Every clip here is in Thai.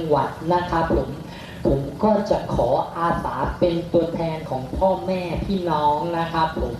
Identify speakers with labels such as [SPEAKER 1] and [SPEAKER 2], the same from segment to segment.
[SPEAKER 1] หวัดนะครับผมก็จะขออาสาเป็นตัวแทนของพ่อแม่พี่น้องนะครับผม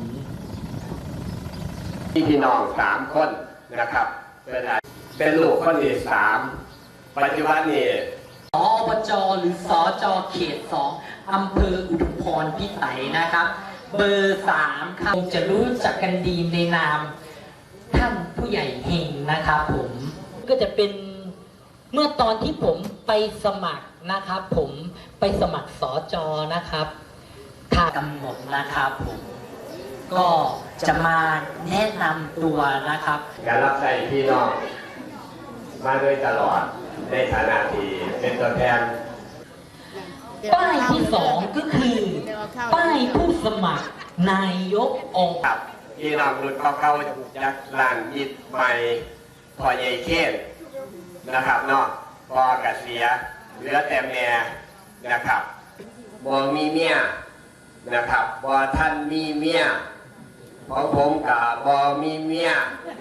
[SPEAKER 2] พี่น้อง3 คนนะครับเป็นลูกคนที่3ปัจจุบันนี้
[SPEAKER 1] สอบจหรือสจเขต2อำเภออุทุมพรพิสัยนะครับเบอร์3ครับจะรู้จักกันดีในนามท่านผู้ใหญ่เฮงนะครับผมก็จะเป็นเมื่อตอนที่ผมไปสมัครนะครับผมไปสมัครสจนะครับทางกำหนดนะครับผมก็จะมาแนะนำตัวนะครับ
[SPEAKER 2] การรับใช้พี่น้องมาโดยตลอดในฐานะที่เป็นตัวแทน
[SPEAKER 1] ป้ายที่2ก็คือป้ายผู้สมัครนายกองค์
[SPEAKER 2] ครับพี่น้องรุ่นเก่าๆจากหลานยิดใหม่พอใหญ่เข้มนะครับเนาะพอกเสียเหลือแต่แม่นะครับบ่มีเมียนะครับบ่ท่านมีเมียของผมกับบ่มีเมีย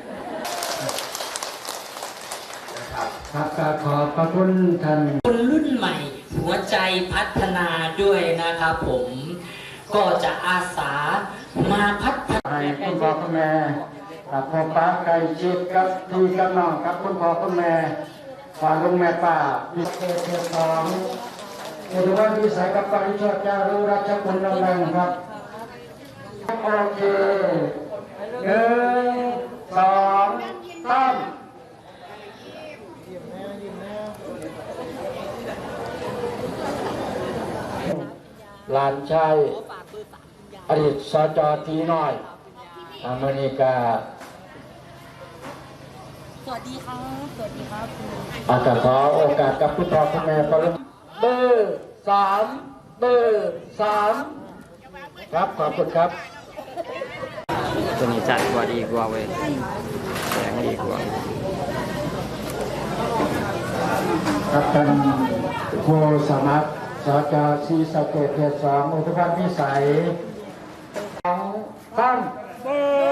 [SPEAKER 3] ครับขอบพระคุณท่าน
[SPEAKER 1] คนรุ่นใหม่หัวใจพัฒนาด้วยนะครับผมก็จะอาสามาพัฒนา
[SPEAKER 3] ให้คุณพ่อคุณแม่กับพ่อป้าไก่ชิดกับพี่กับน้องกับคุณพ่อคุณแม่ฝากลุงแม่ป้าพิเศษ2เอราวัณวิสัยกับปริชดจารุราชคุณนรงค์ครับโอเค1 2 3หลานชายอดีตสจทีน้อยอเมริกา
[SPEAKER 4] สวัสดีครับสวัสดีครับ
[SPEAKER 3] อาจารย์ขอโอกาสกับคุณพ่อคุณแม่ก็เริ่มเบอร์3ครับขอบคุณครับ
[SPEAKER 5] ตัวนี้จ่ายกว่าดีกว่าเว้ยแสงดีกว่า
[SPEAKER 3] ครับท่านผู้สมัครสจศรีสะเกษเขต2อุทุมพรพิสัย2 3